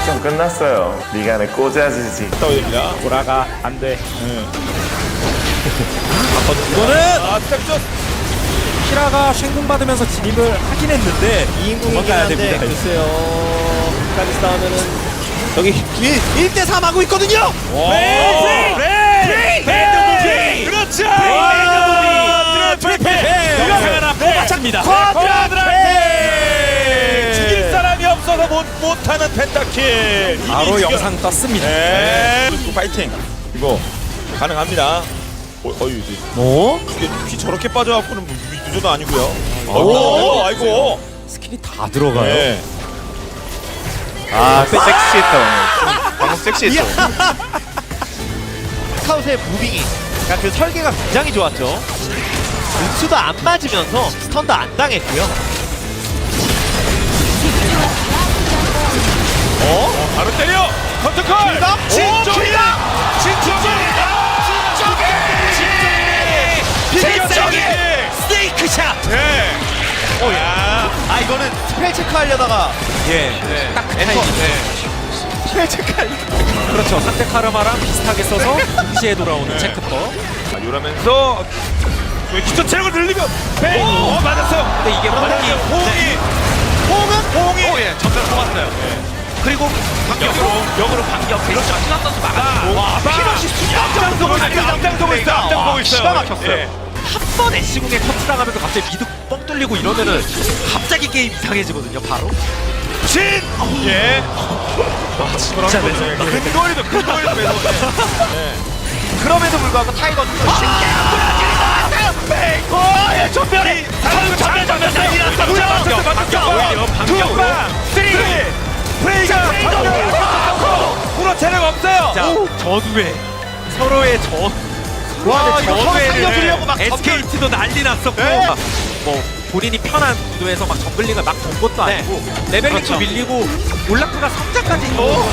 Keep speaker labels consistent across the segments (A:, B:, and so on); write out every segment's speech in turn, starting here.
A: 시험 끝났어요. 네가 내 꽂아주지.
B: 떠올립니다.
C: 돌아가 안돼.
B: 이거는 스텝존
C: 키라가 쉔궁 받으면서 진입을 하긴 했는데
D: 2인궁이긴
C: 도망가야
D: 한데
C: 됩니다.
D: 글쎄요. 끝까지 싸우면은 여기 1대3 하고 있거든요.
B: 브레이 그렇죠.
C: 영상 하나 뽑아칩니다.
B: 쿼드라페 죽일 사람이 없어서 못하는 펜타킬.
C: 바로 영상 떴습니다.
B: 네. 파이팅. 이거 가능합니다. 이제
C: 뭐?
B: 이게 피 저렇게 빠져갖고는 유저도 아니고요. 아이고.
C: 스킬이 다 들어가요.
B: 네.
A: 아 섹시했다 오늘. 방금 섹시했어.
D: 스카웃의 무빙이 그러니까 그 설계가 굉장히 좋았죠. 은수도 안 맞으면서 스턴도 안 당했고요.
B: 바로 때려. 컨트콜. 진쪽이다.
D: 스네이크샷.
B: 네. 야.
D: 아 이거는 스펠 체크 하려다가
C: 딱 그 타이밍.
D: 스펠 체크 하려다가
C: 그렇죠. 상대 카르마랑 비슷하게 써서 동시에 돌아오는 체크법.
B: 이러면서 기초 체력을 늘리면 맞았어요.
C: 근데 이게 완전히
B: 호응이
D: 전멸 뽑았어요. 그리고 역으로 반격. 그렇죠. 신한 선수 막았고 피너시 순간적으로 앞장서고 있어요. 기가 막혔어요. 한 번 애쉬궁에 터치당하면서 갑자기 미드 뻥 뚫리고 이러면은 갑자기 게임 이상해지거든요. 바로.
B: 예.
D: 진짜 매섭다.
B: 근거리도 매서.
D: 그럼에도 불구하고 타이거 전멸이 전멸
B: 프레이가 프로 체력 없어요.
D: 자, 전후에 서로의 살려주려고 막
C: SKT도 난리 났었고 뭐 본인이 편한 구도에서 막 정글링을 막 본 것도 아니고 레벨링도 밀리고 올라프가 성장까지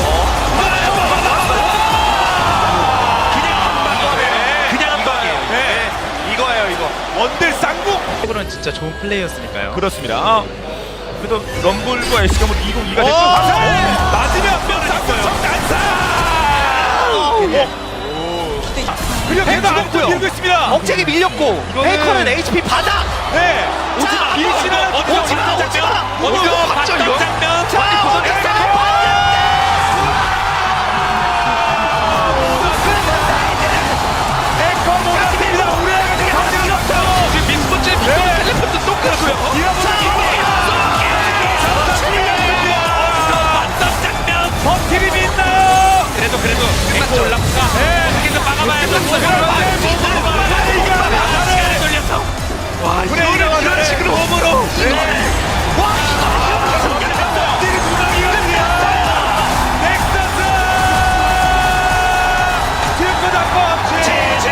D: 그냥 한 방이에요.
B: 이거예요 이거. 원딜 쌍국.
D: 이거는 진짜 좋은 플레이였으니까요.
B: 그렇습니다. 그래도 럼블과 SK가 뭐 202가 됐고 맞으면 쌍국 난사. 그리고
D: 해도
B: 밀고 있습니다.
D: 억제기 밀렸고 페이커는 HP 바닥.
B: 네. 오지마. 밀치는
D: 오지마. 봤죠 이거?
B: 버티비 믿나요?
C: 그래도 끝났죠. 올라프가 어떻게든 막아봐야죠. 시간을 돌려서
B: 이런 식으로 홈으로. 넥서스! 딜코 잡고 없지.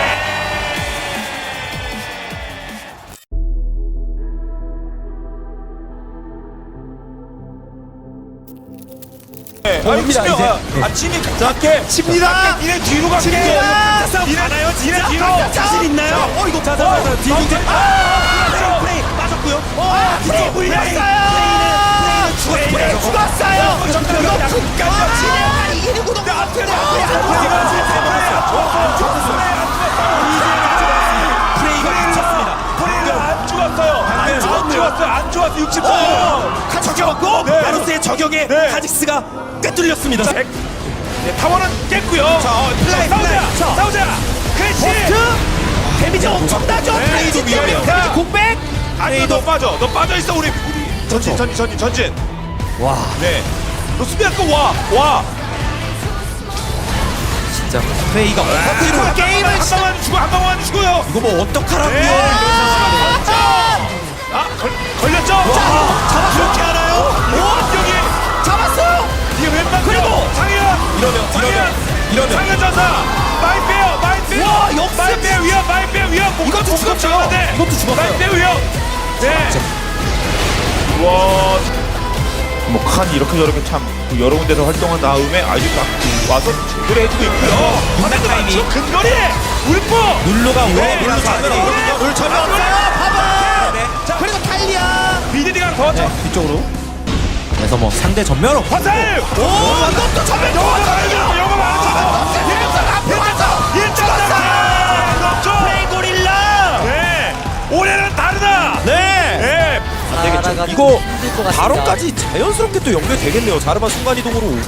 C: 옵니다, 이제.
B: 아침이 작게
D: 칩니다.
B: 니네 뒤로 갈게. 니네 가나요? 니네 뒤로.
D: 자신 있나요?
C: 이거 자자자 뒤로
D: 프레이 빠졌고요. 프레이 물렸어요. 프레이는 죽었어요. 이기는 구동.
C: 프레이가 미쳤습니다.
B: 프레이가 안 죽었어요. 안 죽었어. 64.
C: 저격고
B: 네.
C: 바로스의 저격에
B: 네.
C: 카직스가 꿰뚫렸습니다.
B: 네, 타워는 깼고요. 싸우자. 그렇지.
D: 데미지 엄청나죠.
C: 프레이도 위험해요.
B: 자,
D: 공백.
B: 아니 너 빠져 있어 우리. 전진.
C: 와
B: 네. 너 수비할 거 와.
C: 진짜 프레이가 어디로
D: 게임을
B: 한 방만 주고요.
C: 이거 뭐 어떡하라고요?
B: 네. 걸렸죠?
D: 잡았어.
B: 알아요? 여기
D: 잡았어요.
B: 이게 왼발
D: 그리고
B: 상현
C: 이러면
B: 상현 전사 마인 빼요.
D: 와, 역습.
B: 마인 빼 위험.
D: 이것도 죽었죠.
C: 이것도 죽었어요.
B: 마인 빼 위험. 네. 와. 뭐칸 이렇게 저렇게 참 여러 군데서 활동한 다음에 아주 딱 와서 제대로 해주고 있고요.
C: 타이밍.
B: 근거리 울프.
C: 룰루가 왜
B: 네.
C: 룰루 잡으러 오거든요.
D: 룰 전혀 없어요. 봐봐.
C: 네.
D: 자, 그리고 탈리아.
B: BDD가 더
C: 뒤쪽으로. 그래서 뭐 상대 전멸 없고
B: 화살.
D: 오, 이것도
E: 이거
F: 힘들 것 같습니다.
E: 바론까지 자연스럽게 또 연결되겠네요. 자르반 순간이동으로 오고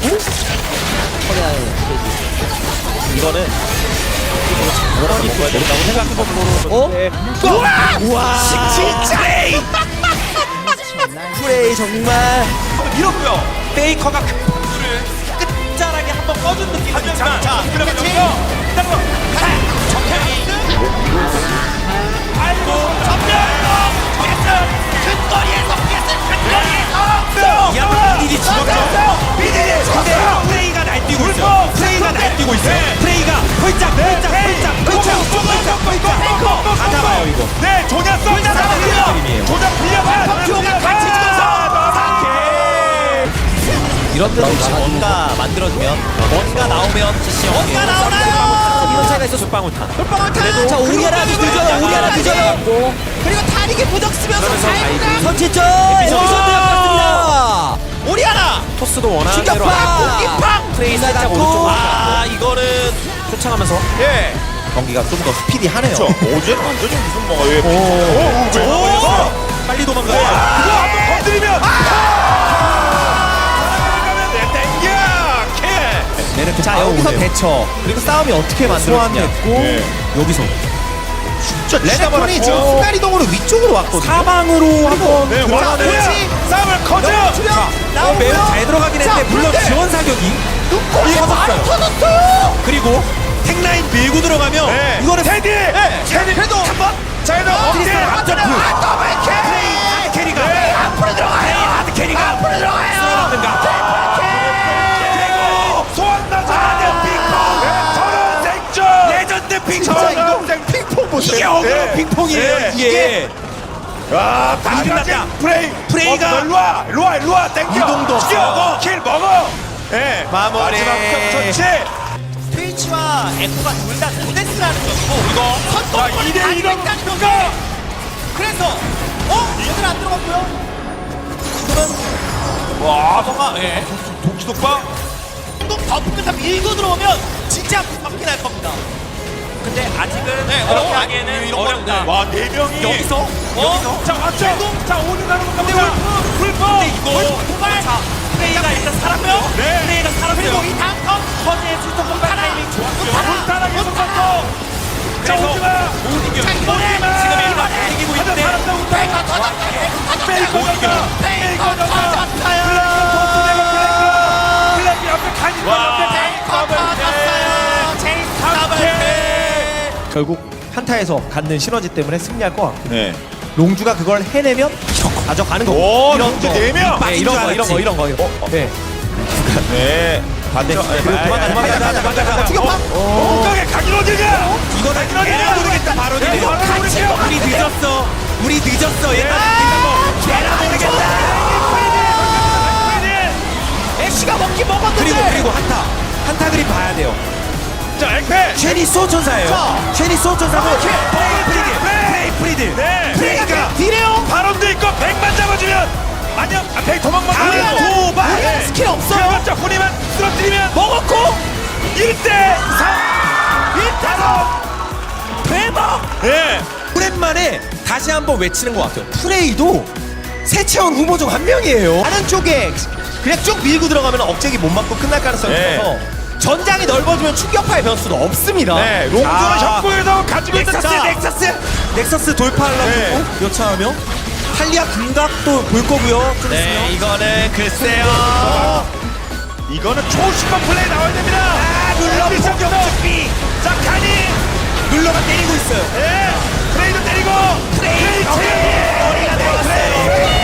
E: 이거는 바론이 또 된다고 생각해보고
F: 우와!
E: 진짜 프레이 정말
C: 이렇고요. 페이커가 그 볼을 끝자락에 한번 꺼준 느낌은 있지만 자, 그러면 여기서 정태이 아이고 전멸로 미디디 죽었죠. 미디디 죽었어요. 프레이가 날뛰고 있어요. 프레이가 날뛰고 있어요. 프레이가 홀짝 다 잡아요 이거.
D: 네, 조냐 쏠자
E: 그림이에요.
D: 조냐 빌려봐. 같이 죽어서
E: 이런 데서 혹시 뭔가 만들어주면 뭔가 나오면 CC 뭔가 나오나요? 이런 차이가 있어 솔방울탄
F: 자, 오리아나 늦어요. 그리고 타릭이 무적 쓰면서
E: 그러면서
F: 선취점!
E: 에피소드.
F: 여기서 들어갔습니다. 오리아나!
E: 토스도 원하는 대로
F: 충격파!
E: 하고
F: 공기팡!
E: 프레이 살짝
F: 나갔고.
E: 오른쪽으로 이거는 쫓아가면서 경기가 좀 더 스피디하네요.
B: 어제는 완전히 무슨 뭐가
E: 빨리 도망가요.
D: 그거 한번 건드리면
E: 자 여기서 대처 그리고 싸움이 어떻게 만들어지냐
B: 네.
E: 여기서
B: 진짜
E: 레네톤이 지금
B: 잡아놨죠.
E: 순간이동으로 위쪽으로 왔거든요. 사방으로 한번
D: 네, 원하는 싸움을 커져.
E: 매우 잘 들어가긴 했는데 물론 지원 사격이 터졌어요. 그리고 탱라인 밀고 들어가면
D: 네.
E: 이거는
D: 테디 그래도 한번 자 그래도 어깨 앞점프 하드 캐리가 앞으로 들어가요. 하드 캐리가 앞으로 들어가요. 소환나자 핑퐁 저런 생존 레전드 핑퐁 저런 핑퐁 보세요. 이게 어그로 핑퐁이에요. 이게 아
E: 끝났다.
D: 프레이가 일로 와 땡겨
E: 이동도
D: 죽여 킬 먹어. 예
E: 마무리.
D: 마지막 좋지.
F: 트위치와 에코가 둘 다 도데스라는 점이고 이거
D: 자 2대 2로 가.
F: 그래서 얘들 안 들어갔고요.
D: 와 성아 예 독지독방.
F: 또 덮으면서 밀고 들어오면 진짜 막히 날 겁니다.
C: 근데 아직은
F: 그렇게
C: 하기에는 어렵다.
D: 와 4명이
C: 여기서
D: 자 왔죠. 자 오늘 가는 건가 보다. 불법.
C: 근데 이거
F: 도발!
C: 프레이가 일단 살았고요.
D: 네.
C: 프레이가 살았어요.
F: 그리고 이 다음 턴
C: 허즈의 수석 공간 타이밍 좋았고요.
D: 불타라 계속 갔어. 자
C: 그래서
D: 오지마.
C: 못 이겨요.
F: 자, 이번에
C: 지금 일반 이기고 있는데
F: 페이커 터졌다.
D: 페이커
C: 못 이겨요.
F: 페이커 터졌어요.
D: 블랙이 앞에 간이
F: 페이커 터졌어요. 제이스 더블.
E: 결국 한타에서 갖는 시너지 때문에 승리할 것 같고
B: 네.
E: 롱주가 그걸 해내면 가져가는 거고
B: 오,
E: 이런
B: 롱주
E: 거.
B: 네 명.
E: 네, 이런 거 네.
B: 네.
E: 반대 그리고 도망가자
F: 충격파.
D: 엉덩이 가긴 어디냐?
E: 이거는
D: 걔는
E: 모르겠다 바로
C: 우리 늦었어. 우리 늦었어. 얘들아.
F: 걔라 모르겠다. 애쉬가 먹긴 먹었는데.
E: 그리고 한타 그림 봐야 돼요.
D: 자 엑페.
E: 쉐니 소천사예요. 쉐니 소천사고 프리드
D: 네.
F: 프레이가 딜해요.
D: 바람도 있고 100만 잡아주면 안녕. 아, 100 도망만
F: 아니야,
D: 가면
F: 아니야, 스킬 없어요.
D: 그래봤자 훈이만 쓰러뜨리면
F: 먹었고
D: 1대 3
F: 대박.
D: 예.
E: 오랜만에 다시 한번 외치는 것 같아요. 프레이도 세체원 후보 중 한 명이에요. 다른 쪽에 그냥 쭉 밀고 들어가면 억제기 못 맞고 끝날 가능성이
B: 네.
E: 있어서 전장이 넓어지면 충격파의 변수도 없습니다.
D: 네. 롱주는 협구에서 가지고 있는
E: 넥서스 돌파하려고
D: 네.
E: 요차하며 탈리아 궁각도 볼 거고요. 좀
C: 네, 이거는 글쎄요.
D: 이거는 초심한 플레이 나와야 됩니다. 눌러 공격비. 자 칸이
E: 눌러가 때리고 있어요.
D: 예. 프레이도 때리고 프레이 머리가 되었어요.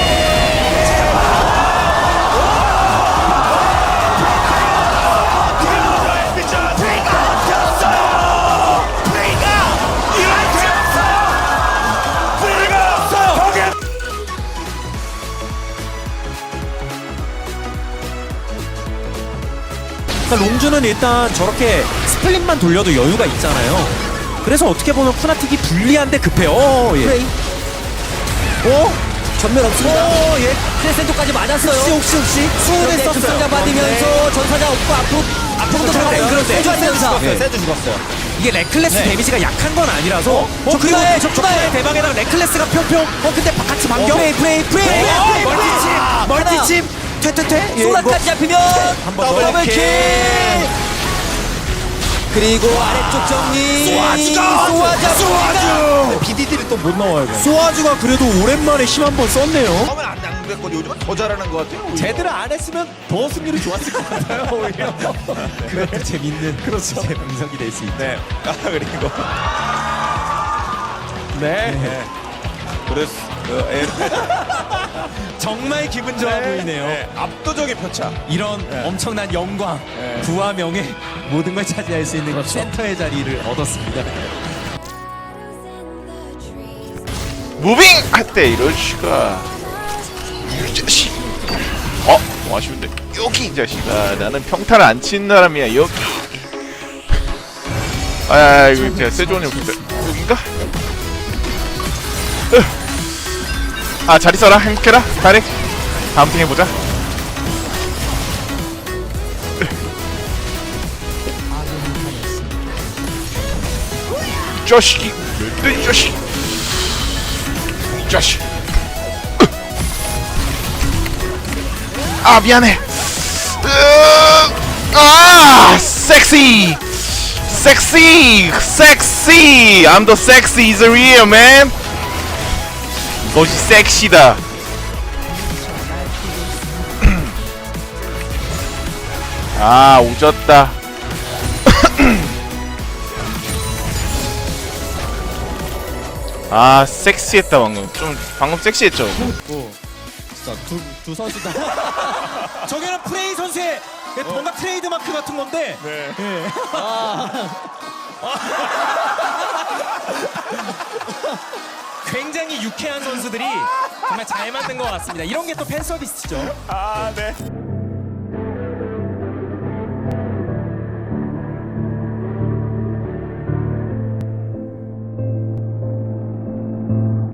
E: 그러니까 롱주는 일단 저렇게 스플릿만 돌려도 여유가 있잖아요. 그래서 어떻게 보면 푸나틱이 불리한데 급해요. 예.
F: 프레이. 전면 없습니다.
E: 예.
F: 크레센토까지 맞았어요.
E: 혹시 수호를 썼어요.
F: 급상자 받으면서 전사자 없고 앞으로
E: 앞으로
F: 들어가요.
E: 그런데
F: 세주
E: 세주
F: 하면서.
E: 죽었어요. 세주 죽었어요. 이게 레클레스 데미지가 약한 건 아니라서
F: 적군의
E: 적군의 대박에다가 레클레스가 평평
F: 근데 같이 반격. 프레이.
E: 멀티칩 퇴퇴퇴
F: 소라까지 잡히면 더블킬. 그리고 아래쪽 정리. 소아자.
E: BDD를 또 못 나와요.
F: 소아주가 그래도 오랜만에 힘 한번 썼네요.
B: 처음엔 안 그랬거든요. 요즘은 더 잘하는 것 같아요. 오히려.
F: 제대로 안 했으면 더 승률이 좋았을 것 같아요. 오히려. 그것도 재밌는 그렇죠. 제 분석이 될 수 있죠.
B: 네. 그리고
F: 네.
B: 그래서
F: 정말 기분 좋아 보이네요.
B: 압도적인 표차.
F: 이런 엄청난 영광, 부와 명예 모든 걸 차지할 수 있는 센터의 자리를 얻었습니다.
A: 무빙 할 때 이럴 수가. 이 자식. 뭐 아쉬운데. 여기 이 자식아. 나는 평타를 안 치는 사람이야. 여기. 이거 제가 세조님 여긴가? 잘 있어라. 행복해라. 다리. 다음 팀 해보자. 자식이. 이 자식. 이 자식. 미안해. 섹시. I'm the sexy is real, man. 이것이 섹시다. 오졌다. 섹시했다 방금. 방금 섹시했죠.
F: 진짜 두 선수 다. 저게는 프레이 선수의 뭔가 트레이드 마크 같은 건데. 네. 굉장히 유쾌한 선수들이 정말 잘 만든 것 같습니다. 이런 게 또 팬 서비스죠.
B: 네.